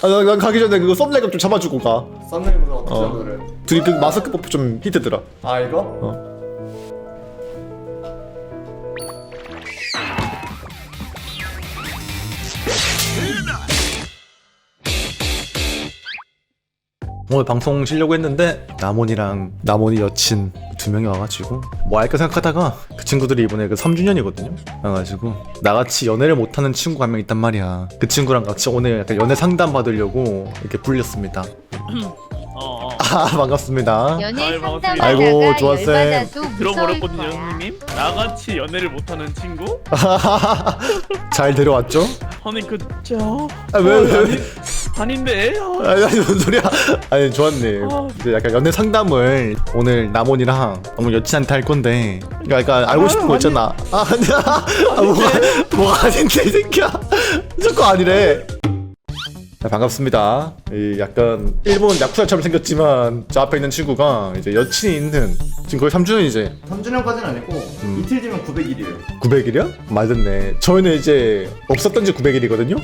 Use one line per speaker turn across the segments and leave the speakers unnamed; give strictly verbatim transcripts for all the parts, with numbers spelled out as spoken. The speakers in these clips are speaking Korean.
아, 난, 난 가기 전에 그거 썸네일 좀 잡아주고 가.
썸네일보다 어떻게
어.
잡아드래?
둘이 그 마스크 뽑좀 히트더라.
아 이거?
어. 오늘 방송 쉬려고 했는데 나몬이랑 나몬이 여친 두 명이 와가지고 뭐 할까 생각하다가 그 친구들이 이번에 그 삼 주년이거든요. 그래가지고 나같이 연애를 못하는 친구가 한 명 있단 말이야. 그 친구랑 같이 오늘 약간 연애 상담 받으려고 이렇게 불렸습니다.
어, 어.
아 반갑습니다.
연애
아유,
상담하다가
아이고, 좋았어요.
열받아도 무서울
들어버렸거든요,
거야.
형님. 나같이 연애를 못하는 친구?
잘 데려왔죠?
아니 그쵸?
아, 왜, 왜, 왜?
아닌데. 아,
아니, 아니 무슨 소리야? 아니 좋았네.
아.
이제 약간 연애 상담을 오늘 나몬이랑 나몬 여친한테 할 건데, 그러니까 약간 알고 싶은 거 있잖아. 아 아니야. 아, 뭐가 뭐가 아닌데 이 새끼야. 저거 아니래. 네, 반갑습니다. 이 약간 일본 야쿠자처럼 생겼지만 저 앞에 있는 친구가 이제 여친이 있는 지금 거의 삼 주년이지.
삼 주년까지는 아니고
음.
이틀 뒤면 구백 일이에요.
구백 일이야? 맞았네. 저희는 이제 없었던 지 구백 일이거든요.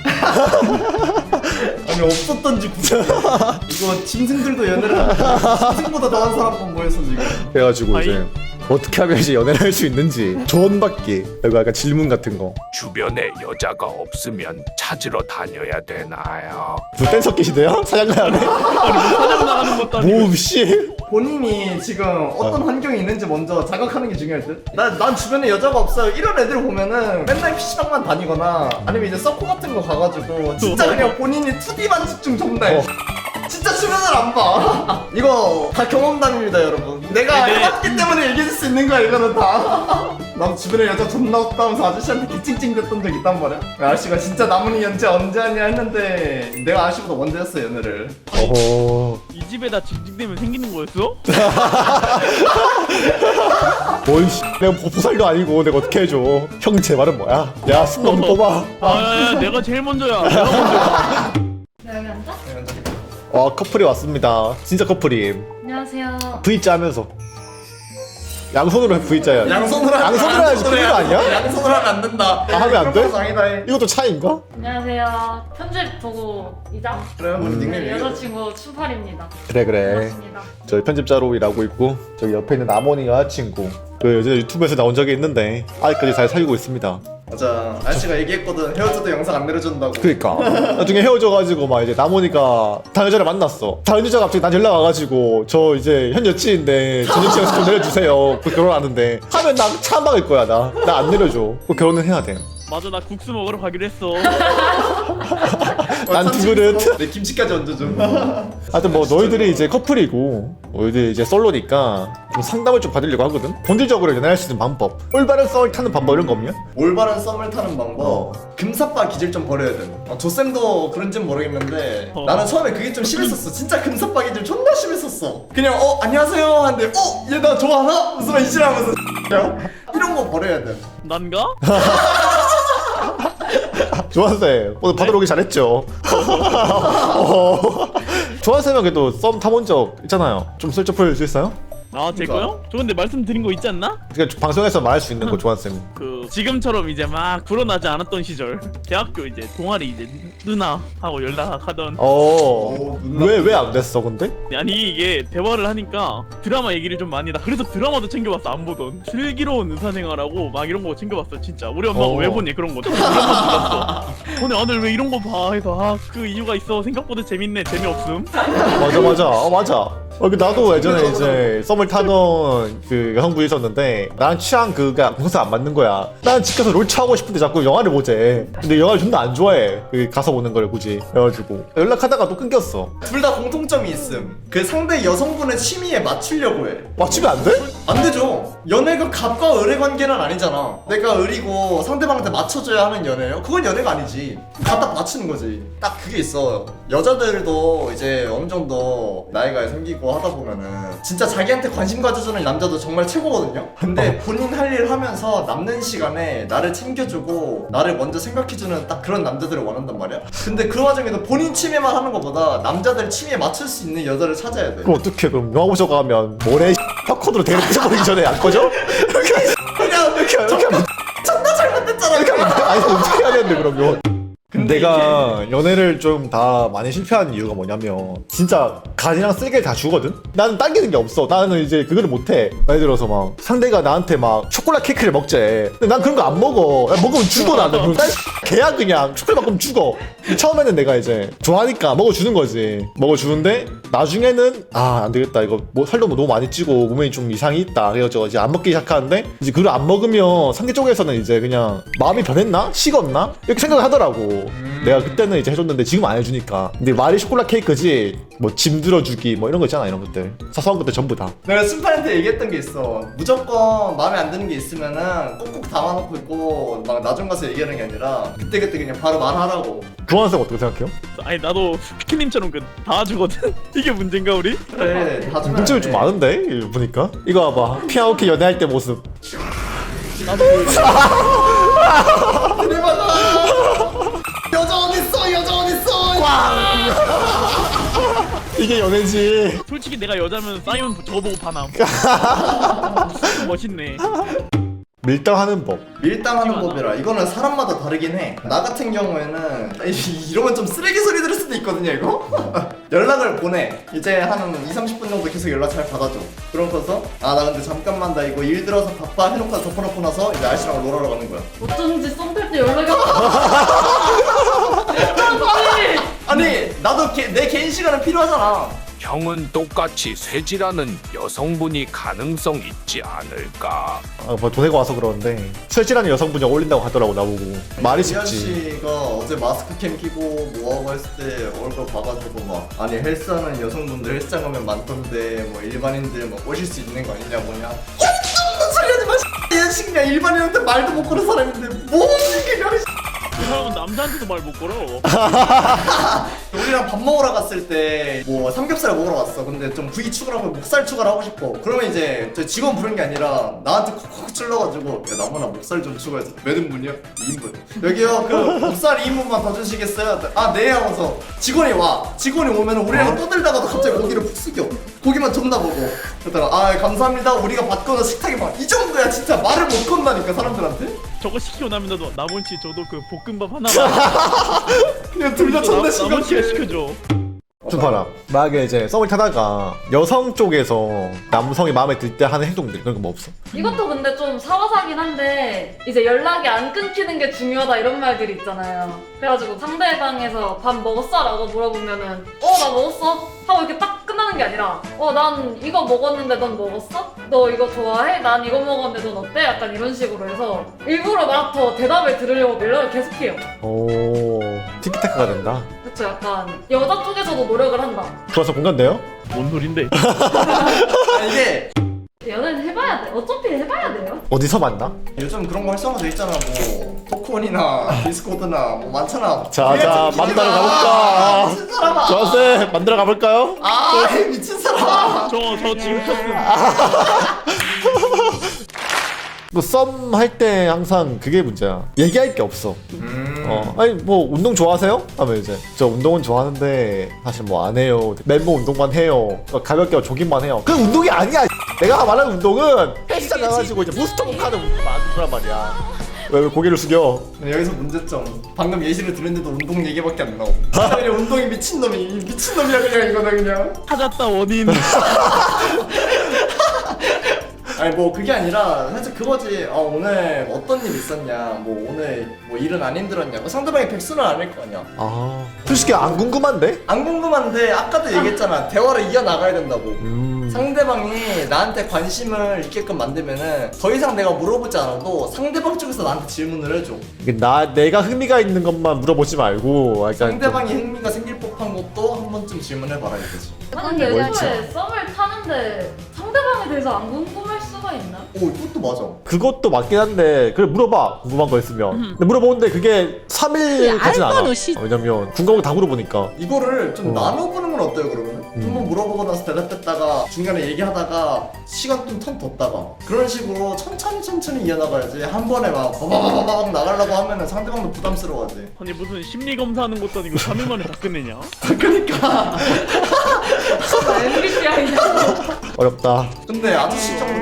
아니 없었던지 구백 일. 이거 짐승들도 연애를 하는데 짐승보다 더한 사람만 모였어 지금.
그래가지고
아이.
이제 어떻게 하면 이제 연애를 할 수 있는지 조언받기, 그리고 약간 질문 같은 거.
주변에 여자가 없으면 찾으러 다녀야 되나요?
뭐 댄서 끼시대요? 사장님
아니 뭐 사냥 나가는 것도 아니고.
뭐 씨.
본인이 지금 어떤 환경이 있는지 먼저 자각하는 게 중요할 듯? 난, 난 주변에 여자가 없어요. 이런 애들 보면은 맨날 피시방만 다니거나 아니면 이제 서코 같은 거 가가지고 진짜 그냥 본인이 투디만 집중 존나 해.
어.
진짜 주변을 안 봐. 이거 다 경험담입니다, 여러분. 내가
네.
해봤기 때문에 얘기해줄 수 있는 거야, 이거는 다. 나도 주변에 여자 존나 없다 하면서 아저씨한테 개찡찡 됐던 적 있단 말이야. 아저씨가 진짜 나문이 연재 언제 하냐 했는데 내가 아저씨보다 먼저 했어, 연애를.
어허.
이 집에다 징징대면 생기는 거였어?
뭔 씨. 내가 보- 보살도 아니고 내가 어떻게 해줘. 형 제 말은 뭐야? 야 숨좀 뽑아.
아야야 내가 제일 먼저야. 내가 먼저야.
네, 여기 앉아?
어 커플이 왔습니다. 진짜 커플임.
안녕하세요.
V자 하면서 양손으로 해 V자야.
양손으로 하면
양손으로 해야지 그거 아니야?
양손으로 하면 안 된다.
아, 하면 안 돼?
그런 거 아니다. 해.
이것도 차인가?
안녕하세요. 편집 보고 이장
그래, 우리 닉네임
네,
얘기해.
여자친구 추팔입니다.
그래 그래.
반갑습니다.
저희 편집자로 일하고 있고 저기 옆에 있는 아모니가 친구. 그 예전에 유튜브에서 나온 적이 있는데 아직까지 잘 살고 있습니다.
맞아. 아저씨가 얘기했거든. 헤어져도 영상 안 내려준다고.
그니까 나중에 헤어져가지고 막 이제 나모니가 다른 여자를 만났어. 다른 여자가 갑자기 난 연락 와가지고 저 이제 현 여친인데 전 여친 좀 내려주세요. 그 결혼하는데 하면 나 차 막을 거야. 나 나 안 내려줘. 그 결혼은 해야 돼.
맞아 나 국수 먹으러 가기로 했어.
난 두 그릇.
내 김치까지 얹어줘.
하여튼 뭐 너희들이 이제 커플이고 너희들이 이제 솔로니까 좀 상담을 좀 받으려고 하거든. 본질적으로 연애할 수 있는 방법, 올바른 썰 타는 방법 이런 거 없냐?
올바른 썸을 타는 방법.
어.
금사빠 기질 좀 버려야 돼. 어, 조쌤도 그런지는 모르겠는데
어.
나는 처음에 그게 좀 심했었어. 진짜 금사빠 기질 존나 심했었어. 그냥 어 안녕하세요 하는데 어 얘 나 좋아하나? 무슨 이지라면서 이런 거 버려야 돼.
난가?
조한쌤 오늘 받으러 오기 잘했죠. 어. 조한쌤은 그래도 썸 타본 적 있잖아요. 좀 슬쩍 풀 수 있어요?
아 제거요? 저 근데 말씀드린 거 있지 않나?
그러니까 방송에서 말할 수 있는 거 조한쌤.
그 지금처럼 이제 막 불어나지 않았던 시절 대학교 이제 동아리 이제 누나 하고 연락하던
어. 왜 왜 안 됐어 근데?
아니 이게 대화를 하니까 드라마 얘기를 좀 많이 나 그래서 드라마도 챙겨봤어 안 보던 슬기로운 의사생활하고 막 이런 거 챙겨봤어 진짜 우리 엄마가
어.
왜 보니 그런 거 우리 엄마 몰랐어 오늘 아들 왜 이런 거 봐 해서 아 그 이유가 있어 생각보다 재밌네 재미없음
맞아 맞아. 어 맞아. 어, 그 나도 예전에 이제 썸을 타던 그 여성분이 있었는데 나랑 취향 그가 공사 안 맞는 거야. 나는 집 가서 롤차 하고 싶은데 자꾸 영화를 보재. 근데 영화를 존나 안 좋아해. 그 가서 보는 걸 굳이. 그래가지고 연락하다가 또 끊겼어.
둘 다 공통점이 있음. 그 상대 여성분의 취미에 맞추려고 해.
맞추면 안 돼?
안 되죠. 연애가 갑과 을의 관계는 아니잖아. 내가 을이고 상대방한테 맞춰줘야 하는 연애예요? 그건 연애가 아니지. 갖다 맞추는 거지. 딱 그게 있어. 여자들도 이제 어느 정도 나이가 생기고 하다 보면은 진짜 자기한테 관심 가져주는 남자도 정말 최고거든요. 근데 본인 할 일 하면서 남는 시간에 나를 챙겨주고 나를 먼저 생각해주는 딱 그런 남자들을 원한단 말이야. 근데 그 와중에도 본인 취미만 하는 것보다 남자들 취미에 맞출 수 있는 여자를 찾아야 돼.
그럼 어떡해. 그럼 영화 보러 가면 모래 팝콘으로 대를 부셔버리기 전에 안 꺼져? 이렇게
그냥
이렇게 이렇게 하면
존나 잘못됐잖아.
이렇게 하면 아니 어떻게 해야 되는데 그러면.
근데
내가 연애를 좀 다 많이 실패한 이유가 뭐냐면 진짜 간이랑 쓸개를 다 주거든? 나는 당기는 게 없어. 나는 이제 그거를 못해. 예를 들어서 막 상대가 나한테 막 초콜릿 케이크를 먹재. 근데 난 그런 거 안 먹어. 야, 먹으면 죽어 나는. 그럼 딸 개야 그냥. 초콜릿 먹으면 죽어. 처음에는 내가 이제 좋아하니까 먹어주는 거지. 먹어주는데 나중에는 아 안 되겠다. 이거 뭐 살도 너무 많이 찌고 몸에 좀 이상이 있다. 그래가지고 이제 안 먹기 시작하는데 이제 그걸 안 먹으면 상대 쪽에서는 이제 그냥 마음이 변했나? 식었나? 이렇게 생각을 하더라고. 내가 그때는 이제 해줬는데 지금 안 해주니까. 근데 말이 초콜릿 케이크지 뭐 짐 들어주기 뭐 이런 거 있잖아. 이런 것들 사소한 것들 전부 다.
내가 순팔한테 얘기했던 게 있어. 무조건 마음에 안 드는 게 있으면은 꼭꼭 담아놓고 있고 막 나중 가서 얘기하는 게 아니라 그때그때 그냥 바로 말하라고.
교환생 어떻게 생각해요?
아니 나도 피키님처럼 그 다 주거든. 이게 문제인가 우리?
그래 다 주면
문제가
안
좀
돼.
많은데 이거 보니까. 이거 봐봐. 피아오케 연애할 때 모습.
나도 그
대박아. 여자 어딨어 여자 어딨어.
이게 연애지.
솔직히 내가 여자면 사이언 저거 보고 반함. 멋있네.
밀당하는 법.
밀당하는 법이라 이거는 사람마다 다르긴 해. 나 같은 경우에는 이- 이러면 좀 쓰레기 소리 들을 수도 있거든요 이거. 연락을 보내. 이제 한 이삼십 분 정도 계속 연락 잘 받아줘. 그러고서 아 나 근데 잠깐만 나 이거 일 들어서 바빠 해놓고 덮어놓고 나서 이제 아저씨랑 놀아러 가는 거야.
어쩐지 썸 탈 때 연락이 왔어.
아니 나도 개, 내 개인 시간은 필요하잖아.
형은 똑같이 쇠질하는 여성분이 가능성 있지 않을까?
아, 뭐 도내고 와서 그러는데 쇠질하는 여성분이 어울린다고 하더라고 나보고. 말이
이
쉽지.
아저씨가 어제 마스크 캠 끼고 뭐하고 했을 때 얼굴 봐가지고 막 아니 헬스하는 여성분들 헬스장 가면 많던데 뭐 일반인들 뭐 오실 수 있는 거 아니냐 뭐냐. 어떤 소리 하지 마. 이 아저씨 그냥 일반인한테 말도 못 거는 사람인데 뭐 이게 야.
그 사람은 남자한테도 말 못 걸어.
우리랑 밥 먹으러 갔을 때 뭐 삼겹살 먹으러 갔어. 근데 좀 부위 추가하고 목살 추가를 하고 싶어. 그러면 이제 저 직원 부른 게 아니라 나한테 콕콕 찔러가지고 야 나무나 목살 좀 추가해서 몇 인분이요? 이 인분. 여기요 그 목살 이 인분만 더 주시겠어요? 아 네 하고서 직원이 와. 직원이 오면 우리랑 떠들다가도 갑자기 고기를 푹 숙여. 고기만 존나 보고. 그러다가 아 감사합니다. 우리가 받거나 식탁에 막 이 정도야 진짜 말을 못 건다니까 사람들한테.
저거 시키고 나면 나도 나머지 저도 그 볶음밥 하나만.
그냥 둘 다 존나
나머지가
심각해.
시켜줘.
좀 봐라. 만약에 이제 썸을 타다가 여성 쪽에서 남성이 마음에 들 때 하는 행동들 그런 거 뭐 없어?
이것도 근데 좀 사와사긴 한데 이제 연락이 안 끊기는 게 중요하다 이런 말들이 있잖아요. 그래가지고 상대방에서 밥 먹었어? 라고 물어보면은 어 나 먹었어? 하고 이렇게 딱 끝나는 게 아니라 어 난 이거 먹었는데 넌 먹었어? 너 이거 좋아해? 난 이거 먹었는데 넌 어때? 약간 이런 식으로 해서 일부러 막 더 대답을 들으려고 연락을 계속해요.
오 티키타카가 된다.
그쵸, 약간 여자 쪽에서도 노력을 한다.
좋아서 공감돼요?
뭔 소린데?
아 이게
연애는 해봐야 돼. 어차피 해봐야 돼요.
어디서 만나?
요즘 그런 거 활성화돼 있잖아. 뭐 토크온이나 디스코드나 뭐 많잖아.
자, 자, 만나러 가볼까?
미친 사람아.
좋았어. 만들어 가볼까요?
아 미친 사람아.
저 저 지금 켰음.
뭐 썸 할 때 항상 그게 문제야. 얘기할 게 없어.
음.
어, 아니 뭐 운동 좋아하세요? 하면 이제 저 운동은 좋아하는데 사실 뭐 안 해요. 맨몸 운동만 해요. 어, 가볍게 조깅만 해요. 그 운동이 아니야. 내가 말하는 운동은 헬스장 가가지고 이제 부스터복 하는 운동 많은 거란 말이야. 왜, 왜 고개를 숙여?
근데 여기서 문제점. 방금 예시를 들었는데도 운동 얘기밖에 안 나오. 진짜 그냥 운동이 미친 놈이 미친 놈이야 그냥 이거는 그냥.
찾았다 원인.
아니 뭐 그게 아니라 사실 그거지. 아 오늘 어떤 일 있었냐. 뭐 오늘 뭐 일은 안 힘들었냐. 뭐 상대방이 백수는 아닐 거 아니야.
아 솔직히 안 궁금한데?
안 궁금한데 아까도 얘기했잖아. 대화를 이어 나가야 된다고.
음.
상대방이 나한테 관심을 있게끔 만들면은 더 이상 내가 물어보지 않아도 상대방 쪽에서 나한테 질문을 해줘.
이게 나 내가 흥미가 있는 것만 물어보지 말고 약간
상대방이 흥미가 생길 법한 것도 한 번쯤 질문해봐라 이거지.
아니 근데
뭘지?
애초에 썸을 타는데 상대방에 대해서 안 궁금할 수가 있나?
오 이것도 맞아.
그것도 맞긴 한데 그래 물어봐 궁금한 거 있으면. 근데 물어보는데 그게 삼 일 가진 않아. 어, 왜냐면 궁금한 거 다 물어보니까.
이거를 좀
어.
나눠보는 건 어때요 그러면?
음.
한번 물어보고 나서 대답했다가 중간에 얘기하다가 시간 좀 턴 뒀다가 그런 식으로 천천히 천천히 이어나가야지. 한 번에 막 바바바바박 나가려고 하면은 상대방도 부담스러워하지.
아니 무슨 심리 검사하는 것도 아니고 삼 일 만에 다 끝내냐?
그러니까
엠비티아이냐?
어렵다.
근데 아저씨 정도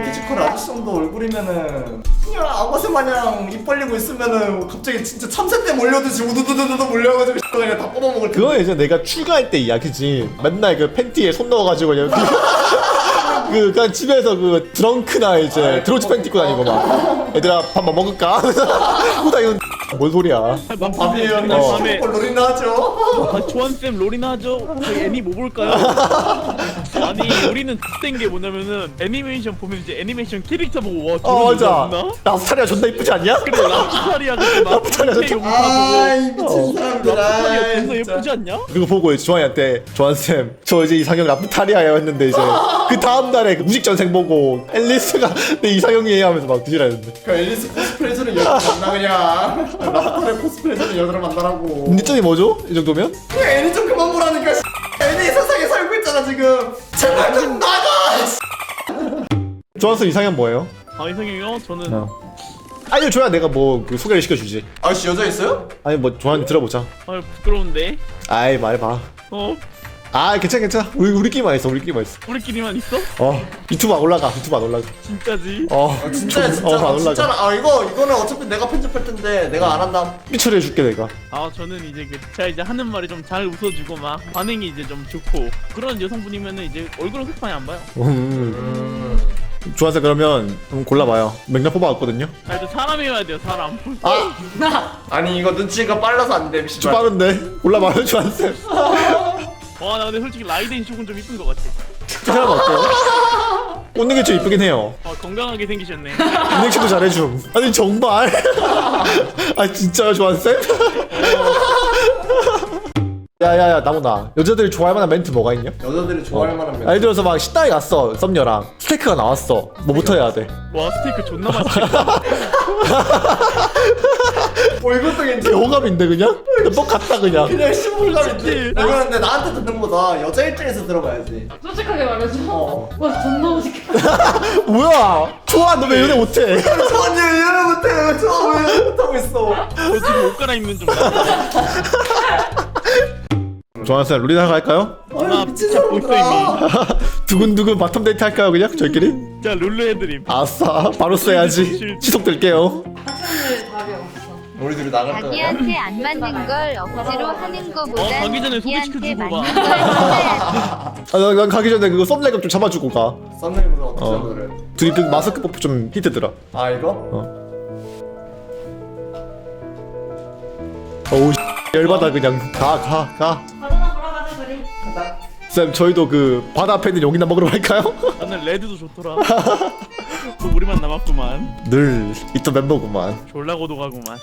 피지컬 아저씨 정도 얼굴이면은 그냥 아버지 마냥 입 벌리고 있으면은 갑자기 진짜 참새떼 몰려듯이 우두두두두 몰려가지고 그냥 다 뽑아먹을 텐데.
그거 이제 내가 출가할 때 이야기지. 맨날 그 팬티에 손 넣어가지고 그냥 그 그냥 집에서 그 드렁크나 이제
아,
드로츠 팬티 입고 다니고 막 얘들아 밥 뭐 먹을까? 후다 이건 뭔 소리야?
밥이에요.
어.
그냥
밤에
슈퍼볼 롤이나 하죠.
아, 조한쌤 롤이나 하죠? 저희 애니 뭐 볼까요? 아니 우리는 X된 게 뭐냐면은 애니메이션 보면 이제 애니메이션 캐릭터 보고 와
어
저런
맞아.
나
라스타리아 존나 이쁘지 않냐?
그래 라프타리아 그거
라프타리아
나
좋다.
아이
용사
미친
보고
사람들아.
라프타리아 존나
진짜.
예쁘지 않냐?
그거 보고 이제 조한이한테 조한쌤 저 이제 이상형 라프타리아예요 했는데 이제 그 다음날에 그 무식전생 보고 앨리스가 내 이상형이에요 하면서 막 뒤지라는데
그 앨리스 코스프레 해주는 여자 만나 그냥. 라프타레 코스프레 해주는 여자를 만나라고.
니점이 뭐죠? 이 정도면?
그냥 애니 좀 그만 보라니까. 애니 세상에 살고 있잖아 지금. 제발 좀 나가.
조한쌤 이상형 뭐예요?
아 이상형이요? 저는
어. 알려줘야 내가 뭐 그 소개를 시켜주지.
아저씨 여자 있어요?
아니 뭐 조한이 들어보자.
아 부끄러운데
아이 말해봐.
어
아 괜찮아 괜찮아. 우리 우리끼리만 있어 우리끼리만 있어.
우리끼리만 있어?
어 유튜브 안 올라가 유튜브 안 올라가.
진짜지?
어
아, 진짜 진짜
어, 안
아,
올라가.
진짜 아 이거 이거는 어차피 내가 편집할 텐데 내가 안 한다.
삐처리 해줄게 내가.
아 저는 이제 그 제가 이제 하는 말이 좀 잘 웃어주고 막 반응이 이제 좀 좋고 그런 여성분이면은 이제 얼굴은 그렇게 많이 안 봐요.
음. 조한쌤 그러면 한번 골라봐요. 맥락 뽑아왔거든요.
아 일단 사람이어야 돼요 사람.
아
아니 이거 눈치가 빨라서 안 돼.
좀 빠른데 골라봐요 조한쌤.
와 나 근데 솔직히 라이덴 쇼군 좀 이쁜 것 같아.
그 사람 어때요? 웃는 게 좀 이쁘긴 해요.
아 건강하게 생기셨네.
인넥션도 잘해줌. 아니 정말. 아 진짜요 조한쌤? 야야야 나무나 여자들이 좋아할 만한 멘트 뭐가 있냐?
여자들이 좋아할 만한 면.
예를 들어서 막 식당에 갔어 썸녀랑 스테이크가 나왔어 뭐부터 해야 돼?
와 스테이크 존나 맛있겠다.
어 이것도 괜찮아.
호감인데 그냥? 뻑 갔다 그냥.
그냥 시물감인데.
그치.
이거는 근데 나한테 듣는 거다. 여자 입장에서 들어봐야지.
솔직하게 말해줘.
어.
와 존나 멋있겠다.
뭐야 좋아 너 왜 연애 못해?
저언니 이해를 못해. 저왜 이해 못하고 있어.
저 지금 옷 갈아입는 중. 나
조한쌤 룰이나 할까요?
아유 미친
진짜 벌써
사람들아.
두근두근 바텀 데이트 할까요 그냥 저희끼리?
자 룰루 해드림.
아싸 바로 써야지 시속될게요.
학생들 답이 없어.
우리 둘이 나갈 거야.
자기한테 안 맞는 걸 억지로 하는
어,
거보단
가기 전에
자기한테
소개시켜주고
맞는
가.
걸 해야지.
아, 난, 난 가기 전에 그거 썸네일 좀 잡아주고 가.
썸네일보다 어떻게
어.
노래?
둘이 그 마스크 뽑고 좀 히트더라.
아 이거?
어우 열받아 그냥 가 가 가.
바나나 보러 가자 우리.
가자.
쌤 저희도 그 바다 앞에 있는 용이나 먹으러 갈까요?
나는 레드도 좋더라. 또 우리만 남았구만.
늘 있던 멤버구만.
졸라 고독하구만.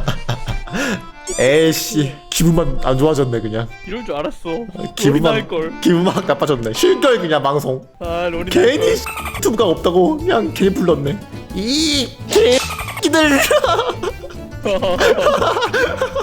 에이씨 기분만 안 좋아졌네 그냥.
이럴 줄 알았어.
기분만
할 걸.
기분만 확 나빠졌네. 쉴걸 그냥 방송.
아 롤이
괜히 유튜브가 없다고 그냥 괜히 불렀네. 이 개끼들.